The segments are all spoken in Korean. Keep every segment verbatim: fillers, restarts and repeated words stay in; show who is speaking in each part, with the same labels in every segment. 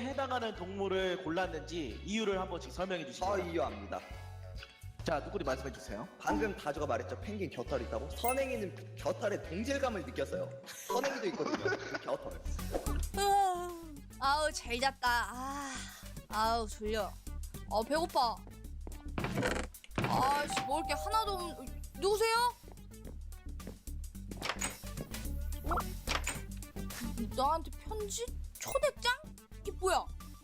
Speaker 1: 해당하는 동물을 골랐는지 이유를 한 번씩 설명해 주시죠.
Speaker 2: 저 이유 압니다.
Speaker 1: 자, 누구리 말씀해 주세요.
Speaker 2: 방금 다주가 말했죠. 펭귄 겨털 있다고. 선행이는 겨털의 동질감을 느꼈어요. 선행이도 있거든요. 그 겨털.
Speaker 3: 아, 아우 잘 잤다. 아, 아우 졸려. 아 배고파. 아씨 먹을 게 하나도 없. 누구세요? 어? 나한테 편지? 초대장? 이게 뭐야?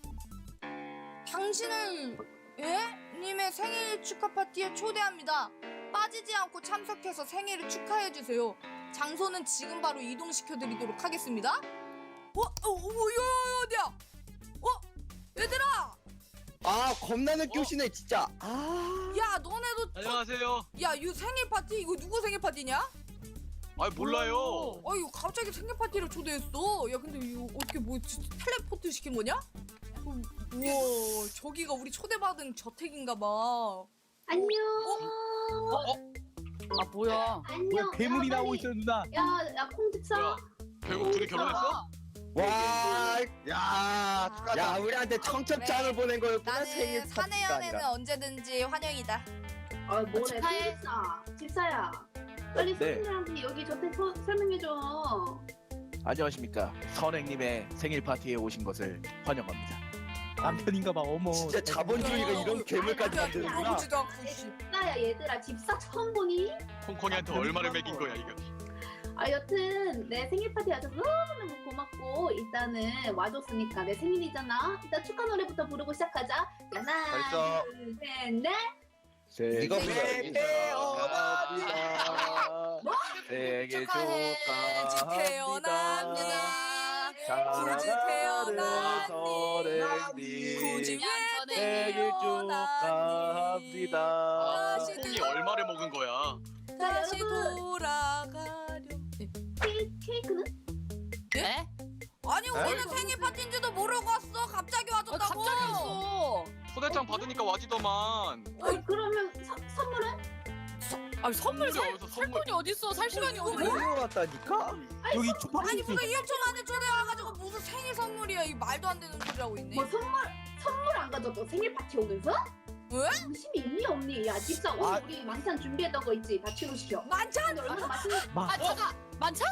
Speaker 3: 당신을 예? 님의 생일 축하 파티에 초대합니다. 빠지지 않고 참석해서 생일을 축하해주세요. 장소는 지금 바로 이동시켜드리도록 하겠습니다. 어? 어? 어? 야, 어디야? 어? 얘들아!
Speaker 2: 아 겁나는 교시네 진짜. 아.
Speaker 3: 야 너네도
Speaker 4: 안녕하세요.
Speaker 3: 야 이거 생일 파티? 이거 누구 생일 파티냐?
Speaker 4: 아 몰라요.
Speaker 3: 아 이거 갑자기 생일 파티를 초대했어. 야 근데 이거 어떻게 뭐 진짜 텔레포트 시킨 거냐? 어, 우와 저기가 우리 초대받은 저택인가 봐.
Speaker 5: 안녕.
Speaker 6: 아 뭐야?
Speaker 5: 안녕.
Speaker 7: 괴물이
Speaker 5: 야,
Speaker 7: 나오고
Speaker 5: 빨리.
Speaker 7: 있어 누나.
Speaker 5: 야, 야 콩집사.
Speaker 4: 뭐야? 결국 둘이 결혼했어?
Speaker 2: 와. 야. 축하다. 야 우리한테 청첩장을
Speaker 3: 그래.
Speaker 2: 보낸 거였구나.
Speaker 3: 나는
Speaker 2: 생일 파티가
Speaker 3: 사내연애는
Speaker 2: 아니라.
Speaker 3: 언제든지 환영이다.
Speaker 5: 아 뭐래?
Speaker 6: 축하해.
Speaker 5: 콩집사. 집사야. 빨리
Speaker 1: 네.
Speaker 5: 손님들한테 여기 저택 서- 설명해줘.
Speaker 1: 안녕하십니까. 선행님의 생일 파티에 오신 것을 환영합니다.
Speaker 7: 남편인가봐. 어머.
Speaker 2: 진짜 자본주의가 이런 괴물까지
Speaker 3: 야,
Speaker 2: 만드는구나.
Speaker 3: 물어보지도 않고 씨.
Speaker 5: 집사야 얘들아 집사 처음 보니?
Speaker 4: 콩콩이한테 얼마를 먹인 거야 이거?
Speaker 5: 아 여튼 내 생일 파티 와줘서 너무너무 고맙고 일단은 와줬으니까 내 생일이잖아. 일단 축하 노래부터 부르고 시작하자. 하나
Speaker 2: 벌써.
Speaker 5: 둘셋넷
Speaker 2: 이거
Speaker 1: 생일 태어납니다. 생일
Speaker 3: 축하해 태어납니다. 굳이 태어났니? 굳이 왜
Speaker 1: 생일 축하합니다.
Speaker 4: 아,
Speaker 3: 다시
Speaker 4: 콩콩이
Speaker 3: 돌아-
Speaker 4: 얼마를 먹은 거야?
Speaker 3: 다시
Speaker 5: 여러분.
Speaker 3: 돌아가려.
Speaker 5: 케이, 케이크는?
Speaker 6: 네?
Speaker 3: 아니 우리는 생일 파티인지도 모르고 왔어. 갑자기
Speaker 6: 아,
Speaker 3: 와줬다고.
Speaker 6: 갑자기 왔어.
Speaker 4: 초대장 받으니까 와지더만.
Speaker 5: 어, 그러면 서, 선물은?
Speaker 6: 아 선물
Speaker 4: 근데
Speaker 6: 살,
Speaker 4: 어디서
Speaker 6: 살
Speaker 4: 선물-
Speaker 6: 돈이 어딨어? 살 시간이 어디?
Speaker 2: 먹은 거 같다니까.
Speaker 7: 여기
Speaker 3: 아니
Speaker 7: 초파리.
Speaker 3: 무슨 일 초 만에 초대와가지고 무슨 생일 선물이야. 이 말도 안 되는 소리 하고 있네.
Speaker 5: 뭐 선물 선물 안 가져도 생일 파티 오면서?
Speaker 3: 왜?
Speaker 5: 관심이 있니 없니? 야 집사 오늘
Speaker 2: 아.
Speaker 5: 우리 만찬 준비했던 거 있지? 다 취소시켜.
Speaker 3: 만찬.
Speaker 5: 오늘 얼마나 맛있는
Speaker 6: 아 잠깐 만찬?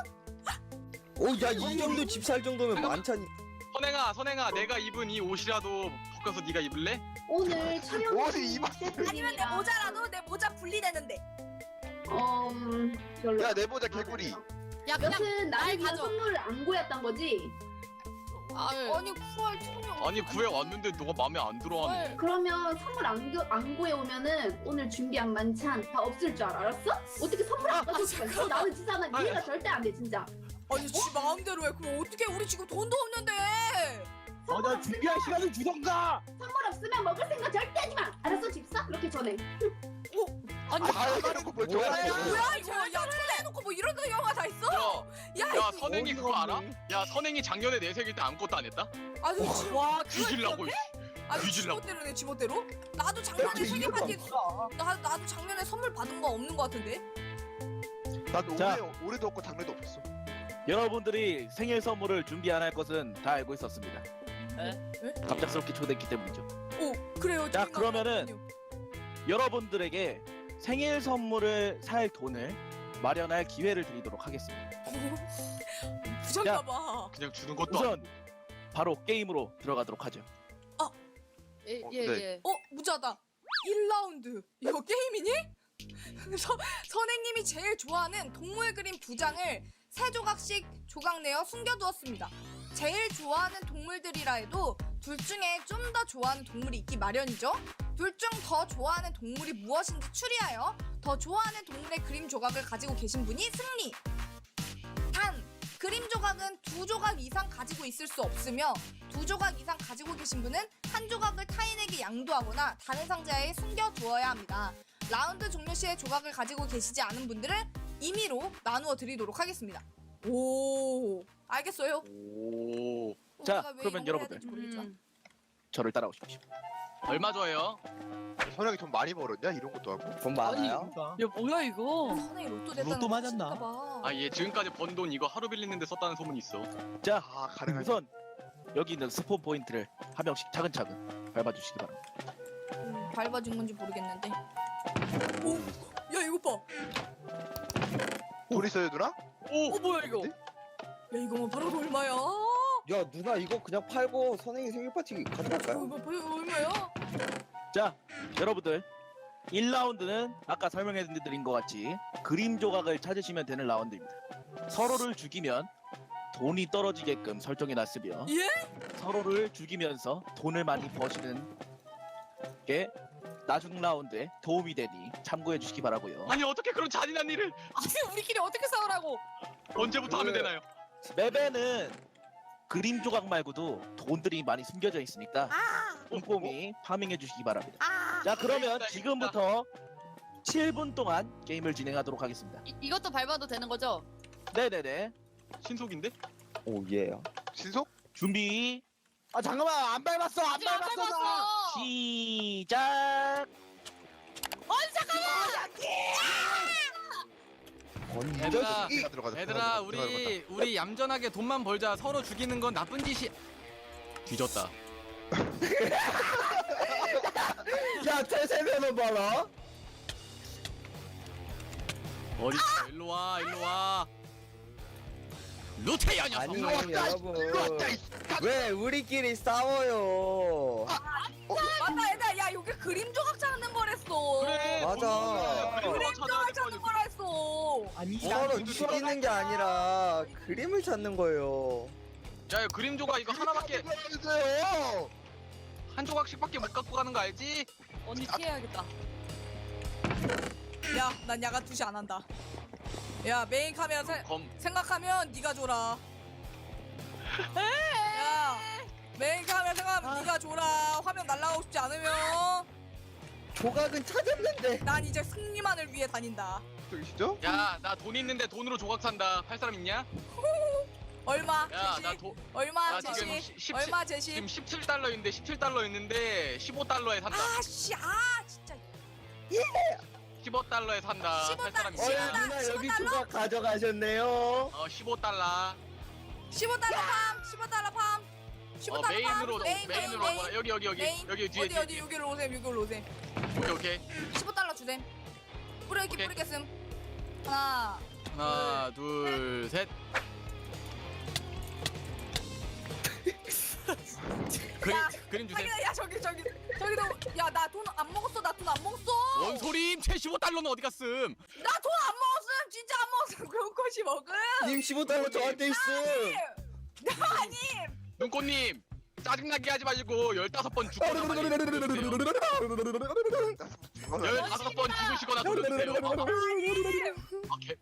Speaker 2: 오야이 정도 집 살 정도면 만찬이.
Speaker 4: 선행아, 선행아, 내가 입은 이 옷이라도 벗겨서 네가 입을래?
Speaker 5: 오늘 촬영
Speaker 2: 옷이 이만-
Speaker 3: 아니면 내
Speaker 5: 셰프님이랑
Speaker 3: 모자라도 내 모자 분리되는데.
Speaker 5: 어 음, 별로.
Speaker 2: 야 내 모자 개구리.
Speaker 6: 야 그냥
Speaker 5: 여튼
Speaker 6: 날
Speaker 5: 나를 위한
Speaker 6: 가져.
Speaker 5: 선물을 안 구했던 거지?
Speaker 6: 아,
Speaker 3: 아니 구할 틈이 없.
Speaker 4: 아니 구해 왔는데 너가 마음에 안 들어하네.
Speaker 5: 그러면 선물 안, 구, 안 구해오면은 오늘 준비한 만찬 다 없을 줄 알아, 알았어? 어떻게 선물 안 가져올 수가 있어? 나는 진짜 난
Speaker 4: 아니.
Speaker 5: 이해가 절대 안 돼 진짜.
Speaker 3: 아니 지 마음대로 해. 그럼 어떻게 우리 지금 돈도 없는데.
Speaker 5: 선물
Speaker 7: 어나 준비할
Speaker 5: 없으면
Speaker 7: 시간을 주던가.
Speaker 5: 선물 없으면 먹을 생각 절대 하지 마. 알았어 집사? 그렇게 전해.
Speaker 6: 아니
Speaker 2: 해놓고 뭘 좋아해?
Speaker 3: 뭐야 이거? 야 초대해놓고 뭐 이런 영화 다 있어?
Speaker 4: 야,
Speaker 3: 야,
Speaker 4: 야
Speaker 3: 이-
Speaker 4: 선행이 그거 알아? 야 선행이 작년에 내 생일 때 아무것도 안 했다?
Speaker 3: 아주 지,
Speaker 6: 와
Speaker 4: 뒤질라고.
Speaker 3: 아주
Speaker 4: 뒤질라고.
Speaker 3: 지멋대로네 지멋대로. 나도 작년에 생일 파티 나 나도 작년에 선물 받은 거 없는 거 같은데.
Speaker 8: 나도
Speaker 1: 자.
Speaker 8: 올해, 올해도 없고 작년에도 없었어.
Speaker 1: 여러분들이 생일 선물을 준비 안 할 것은 다 알고 있었습니다.
Speaker 6: 에?
Speaker 3: 에?
Speaker 1: 갑작스럽게 초대했기 때문이죠.
Speaker 3: 오 그래요.
Speaker 1: 자,
Speaker 3: 저희가
Speaker 1: 그러면은
Speaker 3: 그렇군요.
Speaker 1: 여러분들에게 생일 선물을 살 돈을 마련할 기회를 드리도록 하겠습니다.
Speaker 3: 부자인가 봐.
Speaker 4: 그냥 주는 것도
Speaker 1: 우선
Speaker 4: 아니고.
Speaker 1: 바로 게임으로 들어가도록 하죠.
Speaker 6: 예예
Speaker 8: 어,
Speaker 6: 예.
Speaker 8: 네.
Speaker 6: 예.
Speaker 3: 어 무자다. 일 라운드. 이거 게임이니? 서, 선생님이 제일 좋아하는 동물 그림 두 장을 세 조각씩 조각 내어 숨겨두었습니다. 제일 좋아하는 동물들이라 해도 둘 중에 좀 더 좋아하는 동물이 있기 마련이죠. 둘 중 더 좋아하는 동물이 무엇인지 추리하여 더 좋아하는 동물의 그림 조각을 가지고 계신 분이 승리. 단 그림 조각은 두 조각 이상 가지고 있을 수 없으며 두 조각 이상 가지고 계신 분은 한 조각을 타인에게 양도하거나 다른 상자에 숨겨두어야 합니다. 라운드 종료 시에 조각을 가지고 계시지 않은 분들은 임의로 나누어 드리도록 하겠습니다. 오, 알겠어요?
Speaker 4: 오.
Speaker 1: 자,
Speaker 3: 내가 왜
Speaker 1: 그러면
Speaker 3: 이런 걸 해야
Speaker 1: 여러분들.
Speaker 3: 될지 모르겠지만.
Speaker 6: 음.
Speaker 1: 저를 따라오십시오.
Speaker 4: 얼마 줘요?
Speaker 8: 선영이 돈 많이 벌었냐? 이런 것도 하고.
Speaker 2: 돈 많아요?
Speaker 6: 야 뭐야 이거?
Speaker 3: 선생이 로또 됐다는
Speaker 7: 로또
Speaker 3: 거
Speaker 7: 맞았나?
Speaker 3: 사실인가 봐.
Speaker 4: 아 얘 지금까지 번 돈 이거 하루 빌리는데 썼다는 소문이 있어.
Speaker 1: 자,
Speaker 8: 아 가능하지.
Speaker 1: 우선 여기 있는 스폰 포인트를 한 명씩 차근차근 밟아주시기 바랍니다.
Speaker 3: 음, 밟아준 건지 모르겠는데. 오, 야 이거 봐.
Speaker 8: 돈 있어요 누나?
Speaker 6: 어 뭐야 이거?
Speaker 3: 야 이거만 팔아도 얼마야?
Speaker 2: 야 누나 이거 그냥 팔고 선행이 생일 파티
Speaker 3: 이거
Speaker 2: 가져갈까요?
Speaker 3: 봐, 얼마야?
Speaker 1: 자, 여러분들 일 라운드는 아까 설명해드린 것 같이 그림 조각을 찾으시면 되는 라운드입니다. 서로를 죽이면 돈이 떨어지게끔 설정해놨으며
Speaker 3: 예?
Speaker 1: 서로를 죽이면서 돈을 많이 버시는 게 나중 라운드에 도움이 되니 참고해 주시기 바라고요.
Speaker 4: 아니 어떻게 그런 잔인한 일을
Speaker 3: 아니 우리끼리 어떻게 싸우라고?
Speaker 4: 언제부터 하면
Speaker 2: 그-
Speaker 4: 되나요?
Speaker 1: 맵에는 그림 조각 말고도 돈들이 많이 숨겨져 있으니까 꼼꼼히 파밍해 주시기 바랍니다.
Speaker 3: 아,
Speaker 1: 자, 그러면
Speaker 4: 알겠다,
Speaker 1: 지금부터 칠 분 동안 게임을 진행하도록 하겠습니다.
Speaker 6: 이, 이것도 밟아도 되는 거죠?
Speaker 1: 네네네.
Speaker 4: 신속인데?
Speaker 2: 오 예.
Speaker 8: 신속?
Speaker 1: 준비
Speaker 7: 아 잠깐만 안 밟았어 안
Speaker 6: 아직 안
Speaker 7: 밟았어 나.
Speaker 6: 밟았어.
Speaker 1: 시작.
Speaker 2: 건져.
Speaker 4: 얘들아,
Speaker 8: 내가 들어가자.
Speaker 4: 얘들아
Speaker 8: 내가
Speaker 4: 우리
Speaker 8: 들어가자.
Speaker 4: 우리 얌전하게 돈만 벌자. 서로 죽이는 건 나쁜 짓이. 뒤졌다.
Speaker 2: 야 태세면은 봐라.
Speaker 4: 어디 있어? 일로 와, 일로 와. 루테야 녀석.
Speaker 2: 아니
Speaker 8: 왔다, 일로
Speaker 2: 여러분
Speaker 8: 왔다, 이
Speaker 2: 왜 우리끼리 싸워요?
Speaker 3: 맞다 얘들아 야 여기 그림 조각 찾는 거랬어.
Speaker 4: 그래.
Speaker 2: 맞아.
Speaker 4: 그림
Speaker 3: 그림
Speaker 4: 찾아야
Speaker 3: 조각
Speaker 4: 될거
Speaker 3: 찾는
Speaker 4: 아니야.
Speaker 3: 거라 했어.
Speaker 7: 아니
Speaker 2: 서로
Speaker 4: 어,
Speaker 2: 죽이는 게 아니라 그림을 찾는 거예요.
Speaker 4: 야, 이거 그림 조각 이거 하나밖에
Speaker 8: 해주세요.
Speaker 4: 한 조각씩밖에 못 갖고 가는 거 알지?
Speaker 6: 언니 피해야겠다.
Speaker 3: 야, 난 야간 투시 안 한다. 야, 메인 카메라 세,
Speaker 4: 검.
Speaker 3: 생각하면 네가 줘라. 야, 메인 카메라 생각하면 네가 줘라. 화면 날라가고 싶지 않으면
Speaker 2: 조각은 찾았는데.
Speaker 3: 난 이제 승리만을 위해 다닌다.
Speaker 8: 저기시죠?
Speaker 4: 야, 나 돈 있는데 돈으로 조각 산다. 팔 사람 있냐?
Speaker 3: 얼마?
Speaker 4: 야,
Speaker 3: 제시?
Speaker 4: 나 돈.
Speaker 3: 얼마
Speaker 4: 나 지금
Speaker 3: 제시?
Speaker 4: 시- 십칠
Speaker 3: 얼마 제시?
Speaker 4: 지금 십칠 달러인데 십칠 달러 있는데 십오 달러에 산다.
Speaker 3: 아, 씨, 아, 진짜.
Speaker 4: 십오 달러에 산다.
Speaker 3: 십오
Speaker 4: 팔 사람
Speaker 3: 달러.
Speaker 2: 어이
Speaker 4: 있냐?
Speaker 3: 달러?
Speaker 2: 누나 여기
Speaker 3: 십오 달러?
Speaker 2: 조각 가져가셨네요.
Speaker 4: 어, 십오 달러.
Speaker 3: 십오 달러 팜, 십오 달러 팜. 십오
Speaker 4: 어,
Speaker 3: 달러
Speaker 4: 메인으로
Speaker 3: 팜. 메인, 메인,
Speaker 4: 메인으로
Speaker 3: 메인.
Speaker 4: 와봐. 여기 여기 여기
Speaker 3: 메인.
Speaker 4: 여기 뒤에
Speaker 3: 어디
Speaker 4: 뒤에.
Speaker 3: 어디 여기로 오셈, 여기로 오셈.
Speaker 4: 오케이 오케이.
Speaker 3: 십오 달러 주셈. 뿌려있기
Speaker 4: 오케이.
Speaker 3: 뿌리겠음. 하나.
Speaker 4: 하나, 둘, 셋. 그림
Speaker 3: 야,
Speaker 4: 그림 주세요.
Speaker 3: 자기야, 야 저기 저기 저기도 야 나 돈 안 먹었어. 나 돈 안 먹었어.
Speaker 4: 뭔 소림? 채 십오 달러는 어디 갔음?
Speaker 3: 나 돈 안 먹었음. 진짜 안 먹었음. 그런 것이 먹음.
Speaker 2: 님 십오 달러 저한테 있어.
Speaker 3: 아니.
Speaker 4: 눈꽃님 짜증나게 하지 말고 열다섯 번 죽거나
Speaker 2: 아,
Speaker 4: 빨리 들어주세요. 열다섯 번 죽으시거나 들어주세요. 오케이.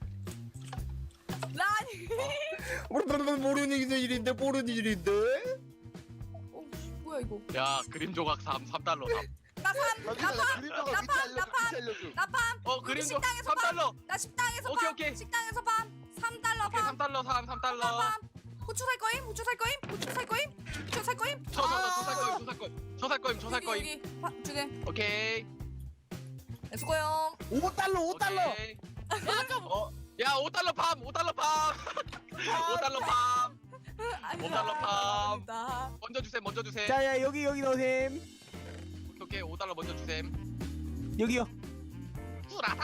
Speaker 3: 라니.
Speaker 2: 모르는 일인데 모르는 일인데.
Speaker 3: 어 뭐야 이거?
Speaker 4: 야 그림 조각 삼, 삼 달러 삼.
Speaker 3: 나 삼.
Speaker 8: 여기서
Speaker 3: 나 팜.
Speaker 8: 그림자가
Speaker 3: 나
Speaker 8: 밑에
Speaker 3: 팜.
Speaker 8: 알려줘.
Speaker 3: 나 팜.
Speaker 8: 밑에 알려줘.
Speaker 3: 나 팜.
Speaker 4: 어 그림 조각
Speaker 3: 식당에서
Speaker 4: 삼 달러.
Speaker 3: 나 식당에서
Speaker 4: 오케이,
Speaker 3: 팜.
Speaker 4: 오케이.
Speaker 3: 식당에서 팜. 삼 달러
Speaker 4: 오케이
Speaker 3: 팜.
Speaker 4: 삼 달러 삼, 삼 달러.
Speaker 3: 팜. 후추 살 거임? 후추 살 거임? 후추 살 거임? 후추 살 거임?
Speaker 4: 저저저살 거임 저살 거임 저살 거임 저살 거임.
Speaker 3: 여기 여기 파- 주네.
Speaker 4: 오케이.
Speaker 3: 네, 수고요.
Speaker 7: 오 달러 오 달러.
Speaker 4: 오케이. 어, 야 오 달러 팜, 오 달러 팜. 오 달러 팜. 오 달러 팜.
Speaker 3: 감사합니다.
Speaker 4: 먼저 주셈, 먼저 주셈.
Speaker 7: 자야 여기 여기 넣으셈.
Speaker 4: 오케이, 오케이, 오 달러 먼저 주셈.
Speaker 7: 여기요.
Speaker 4: 뿌라다.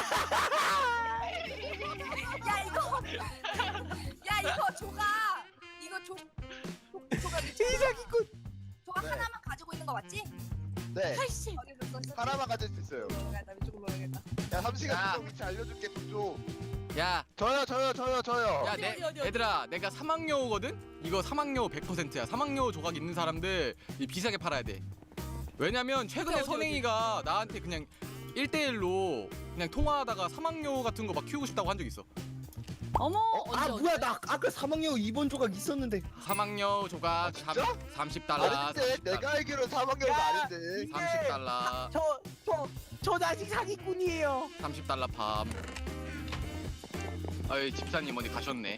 Speaker 3: 야 이거 야 이거 조각 이거 조 조- 조각
Speaker 7: 이사기꾼.
Speaker 3: 조각
Speaker 8: 네.
Speaker 3: 하나만 가지고 있는 거 맞지?
Speaker 8: 네.
Speaker 3: 팔십 어디서 썼어?
Speaker 8: 하나만 가질 수 있어요.
Speaker 3: 나 이쪽으로 넣어야겠다.
Speaker 8: 야 삼 시간
Speaker 4: 야.
Speaker 8: 동안 위치 알려줄게 좀.
Speaker 4: 야,
Speaker 8: 저요 저요 저요 저요.
Speaker 4: 야,
Speaker 6: 어디,
Speaker 4: 내,
Speaker 6: 어디, 어디, 어디?
Speaker 4: 얘들아, 내가 사막여우거든? 이거 사막여우 백 퍼센트야. 사막여우 조각 있는 사람들 이 비싸게 팔아야 돼. 왜냐면 최근에
Speaker 6: 어디, 어디,
Speaker 4: 선행이가 나한테 그냥 일 대일로 그냥 통화하다가 사막여우 같은 거 막 키우고 싶다고 한 적 있어.
Speaker 6: 어머
Speaker 2: 어?
Speaker 6: 언제
Speaker 2: 아
Speaker 6: 언제?
Speaker 2: 뭐야 나 아까 사망여우 이 번 조각 있었는데.
Speaker 4: 사막여우 조각
Speaker 8: 아, 진짜?
Speaker 4: 삼십 달러.
Speaker 8: 아닌데 내가 알기로 사망여우가
Speaker 7: 야.
Speaker 8: 아닌데.
Speaker 4: 삼십 달러.
Speaker 7: 저저저 자식 사기꾼이에요.
Speaker 4: 삼십 달러 팜. 아이 집사님 어디 가셨네.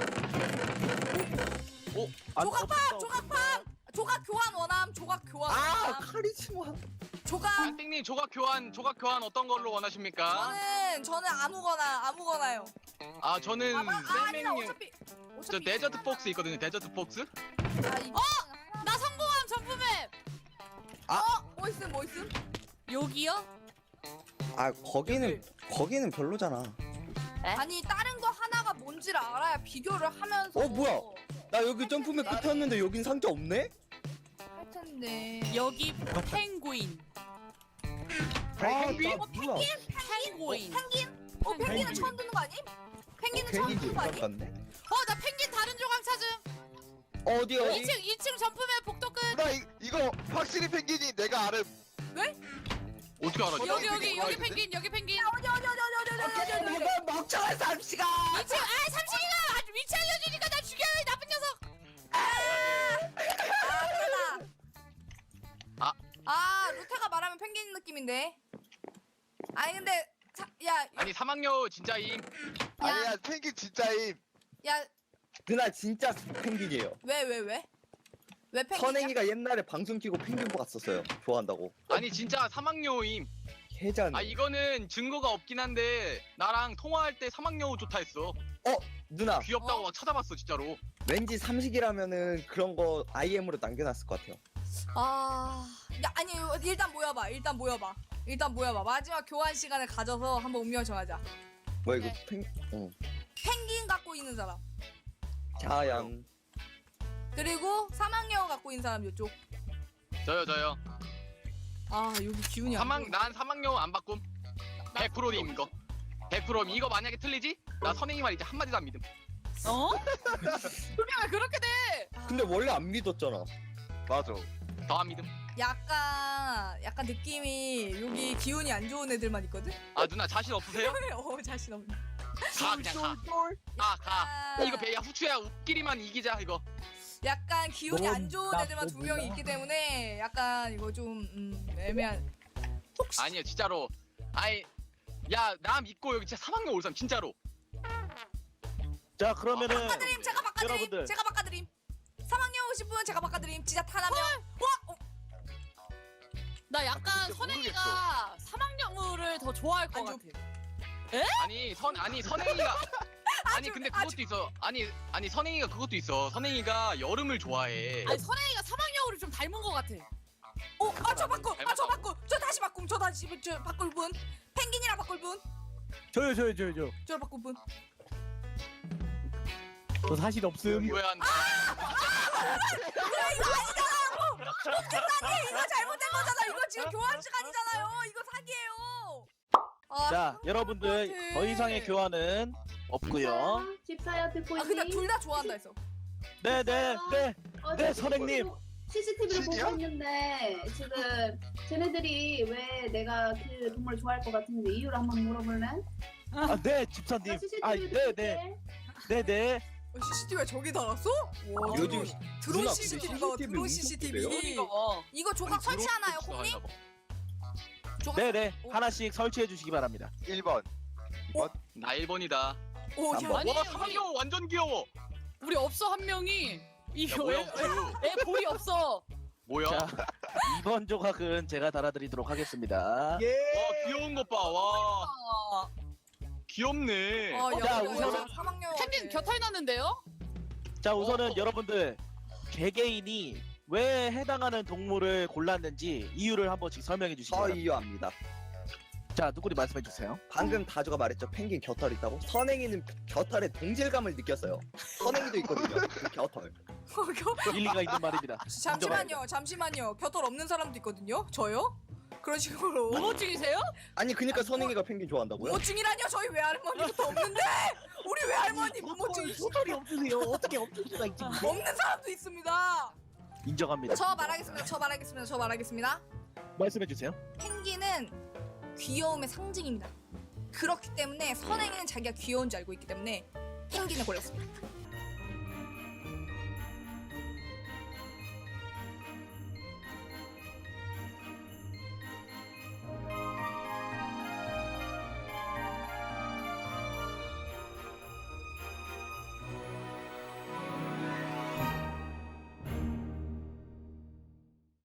Speaker 3: 조각팜 조각팜 조각 교환 원함 조각 교환
Speaker 2: 아
Speaker 3: 원함
Speaker 2: 카리스마.
Speaker 3: 조각
Speaker 4: 안띵님 조각 교환 조각 교환 어떤 걸로 원하십니까?
Speaker 3: 저는 저는 아무거나 아무거나요.
Speaker 4: 아 저는
Speaker 3: 아, 아 아니다
Speaker 4: 셀맹이
Speaker 3: 어차피
Speaker 4: 저
Speaker 3: 어차피
Speaker 4: 데저트 폭스 있거든요. 데저트 폭스?
Speaker 3: 자, 이...
Speaker 6: 나 성공함 점프맵.
Speaker 3: 뭐 있음 뭐 있음?
Speaker 6: 여기요?
Speaker 2: 아 거기는 거기는 별로잖아.
Speaker 3: 아니 다른 거 하나가 뭔지를 알아야 비교를 하면서.
Speaker 2: 어, 뭐야? 나 여기 점프맨 붙었는데 여긴 상자 없네?
Speaker 3: 할 텐데.
Speaker 6: 여기 펭귄.
Speaker 8: 펭귄?
Speaker 2: 아, 나 몰라.
Speaker 6: 펭귄.
Speaker 3: 펭귄? 어 펭귄은 처음 듣는 거 아니? 펭귄은 처음
Speaker 2: 펭귄이
Speaker 3: 듣는 거 아니?
Speaker 2: 같네.
Speaker 6: 어, 나 펭귄 다른 조각 찾음.
Speaker 2: 어디 어디?
Speaker 6: 이 층, 이 층 점프맵 복도 끝.
Speaker 8: 나 이, 이거 확실히 펭귄이 내가 아름.
Speaker 4: 어떻게 알아?
Speaker 6: 여기, 여기,
Speaker 8: 펭귄
Speaker 6: 여기
Speaker 8: 뭐가
Speaker 6: 펭귄, 여기 펭귄.
Speaker 3: 어디 어디 어디 어디 어디 어디 어디 어디 어디.
Speaker 7: 멍청한 삼시가.
Speaker 6: 이 층, 아, 삼식이가 아주 위치 알려주니까 나 죽여요, 이 나쁜 녀석.
Speaker 3: 아 그러다.
Speaker 4: 아.
Speaker 3: 아 루테가 말하면 펭귄 느낌인데. 아니 근데 자, 야,
Speaker 4: 아니 사막여우 진짜임.
Speaker 8: 아니야 펭귄 진짜임.
Speaker 3: 야,
Speaker 2: 누나 진짜 펭귄이에요.
Speaker 3: 왜, 왜, 왜? 왜 펭귄이야?
Speaker 2: 선행이가 옛날에 방송 키고 펭귄 봤었어요. 좋아한다고.
Speaker 4: 아니 진짜 사막여우임.
Speaker 2: 해자네.
Speaker 4: 아 이거는 증거가 없긴 한데 나랑 통화할 때 사막여우 좋다 했어.
Speaker 2: 누나
Speaker 4: 귀엽다고
Speaker 3: 어?
Speaker 4: 막 찾아봤어 진짜로.
Speaker 2: 왠지 삼식이라면은 그런 거 아이엠으로 남겨놨을 것 같아요.
Speaker 3: 아, 야, 아니 일단 모여봐. 일단 모여봐. 일단 모여봐. 마지막 교환 시간을 가져서 한번 운명 정하자.
Speaker 2: 뭐야 이거
Speaker 3: 네.
Speaker 2: 펭? 어.
Speaker 3: 펭귄 갖고 있는 사람.
Speaker 2: 자양.
Speaker 3: 그리고 사막여우 갖고 있는 사람 이쪽.
Speaker 4: 저요 저요.
Speaker 3: 아, 여기 기운이 안
Speaker 4: 사막
Speaker 3: 보여.
Speaker 4: 난 사막여우 안 바꿈. 백 퍼센트임 이거. 백 퍼센트 이거 만약에 틀리지? 나 선행이 말 이제 한 마디도 안 믿음.
Speaker 6: 어? 그게 왜 그렇게 돼?
Speaker 2: 근데 원래 안 믿었잖아.
Speaker 8: 맞아.
Speaker 4: 더 안 믿음.
Speaker 3: 약간 약간 느낌이 여기 기운이 안 좋은 애들만 있거든.
Speaker 4: 아 누나 자신 없으세요?
Speaker 3: 어, 자신 없네.
Speaker 4: 가 그냥 가. 가 가.
Speaker 3: 아,
Speaker 4: 이거 배야 후추야 웃기리만 이기자 이거.
Speaker 3: 약간 기운이
Speaker 7: 넌
Speaker 3: 안 좋은
Speaker 7: 나
Speaker 3: 애들만 두
Speaker 7: 몰라.
Speaker 3: 명이 있기 때문에 약간 이거 좀 음, 애매한. 혹시
Speaker 4: 아니야 진짜로. 아이 야 나 믿고 여기 진짜 사막여우 올 사람 진짜로.
Speaker 1: 자 그러면은
Speaker 3: 바꿔드림, 제가 바꿔드림,
Speaker 1: 여러분들.
Speaker 3: 제가 바꿔드림. 사막여우 오신 분 제가 바꿔드림. 진짜 단 한 명. 와, 어,
Speaker 6: 나 약간
Speaker 8: 진짜
Speaker 6: 선행이가 사막여우를 더 좋아할 것
Speaker 3: 안
Speaker 6: 같아.
Speaker 4: 아니 선 아니 선행이가 아니 근데 그것도 있어. 아니 아니 선행이가 그것도 있어. 선행이가 여름을 좋아해.
Speaker 6: 아니 선행이가 사막여우를 좀 닮은 것 같아.
Speaker 3: 어, 아, 저 바꿔, 아, 저
Speaker 4: 닮았다고.
Speaker 3: 바꿔, 저 다시 바꿈, 저 다시 저 바꿀 분. 펭귄이랑 바꿀 분,
Speaker 7: 저요 저요 저요 저.
Speaker 3: 저 바꿀 분.
Speaker 7: 저 사실 없음.
Speaker 4: 왜 안?
Speaker 3: 아니, 이거 잘못된 거잖아. 이거 지금 교환 시간이잖아요. 이거 사기예요. 아,
Speaker 1: 자 여러분들
Speaker 3: 같아.
Speaker 1: 더 이상의 교환은 없고요.
Speaker 5: 집사야 듣고
Speaker 3: 아,
Speaker 5: 있니?
Speaker 3: 근데 둘 다 좋아한다 했어.
Speaker 1: 네네네 네.
Speaker 5: 어제
Speaker 1: 네, 선생님.
Speaker 5: 씨씨티비를
Speaker 8: 신이야?
Speaker 5: 보고 있는데 지금 쟤네들이 왜 내가 그 동물 좋아할 것 같은데 이유를 한번 물어볼래?
Speaker 1: 아, 네 집사님. 아 네네 네네.
Speaker 3: 어, 씨씨티비가 저기 달았어? 와,
Speaker 2: 요즘
Speaker 3: 드론
Speaker 2: 누나,
Speaker 3: 씨씨티비가
Speaker 2: 근데
Speaker 3: 드론
Speaker 2: 씨씨티비
Speaker 3: 씨씨티비.
Speaker 2: 엄청
Speaker 6: 이거.
Speaker 3: 이거 조각 설치하나요, 콩님? 조각
Speaker 1: 네네
Speaker 3: 오.
Speaker 1: 하나씩 설치해 주시기 바랍니다.
Speaker 8: 일 번.
Speaker 4: 나 일 번이다.
Speaker 3: 오,
Speaker 2: 한
Speaker 3: 야,
Speaker 2: 번.
Speaker 6: 아니,
Speaker 4: 와 사막여우 완전 귀여워.
Speaker 6: 우리 없어 한 명이.
Speaker 4: 야
Speaker 6: 이거
Speaker 4: 뭐야
Speaker 6: 애,
Speaker 4: 후추.
Speaker 6: 애 볼이 없어.
Speaker 4: 뭐야?
Speaker 1: 자 이번 조각은 제가 달아드리도록 하겠습니다.
Speaker 7: 예.
Speaker 4: 와 귀여운 것 봐. 와
Speaker 6: 아,
Speaker 4: 귀엽네.
Speaker 3: 아, 야,
Speaker 1: 자,
Speaker 3: 야,
Speaker 1: 우선은-
Speaker 3: 야, 사막여우.
Speaker 6: 펭귄 겨털 났는데요?
Speaker 1: 자 우선은
Speaker 4: 어.
Speaker 1: 여러분들 개개인이 왜 해당하는 동물을 골랐는지 이유를 한 번씩 설명해 주시기
Speaker 2: 저
Speaker 1: 바랍니다.
Speaker 2: 이유 압니다.
Speaker 1: 자 누구리 말씀해 주세요.
Speaker 2: 방금 다주가 말했죠. 펭귄 겨털 있다고. 선행이는 겨털에 동질감을 느꼈어요. 선행이도 있거든요. 그 겨털.
Speaker 1: 일리가 있는 말입니다.
Speaker 3: 잠시만요, 잠시만요. 겨털 없는 사람도 있거든요. 저요? 그런 식으로.
Speaker 6: 우모증이세요?
Speaker 2: 아니 그니까 선행이가 펭귄 좋아한다고요?
Speaker 3: 모증이라뇨? 저희 외할머니부터 없는데 우리 외할머니 모증이
Speaker 7: 소설이 없으세요. 어떻게 없을 수가 있지?
Speaker 3: 없는 사람도 있습니다.
Speaker 1: 인정합니다.
Speaker 3: 저 말하겠습니다. 저 말하겠습니다. 저 말하겠습니다.
Speaker 1: 말씀해 주세요.
Speaker 3: 펭귄은 귀여움의 상징입니다. 그렇기 때문에 선행이는 자기가 귀여운 줄 알고 있기 때문에 펭귄을 골랐습니다.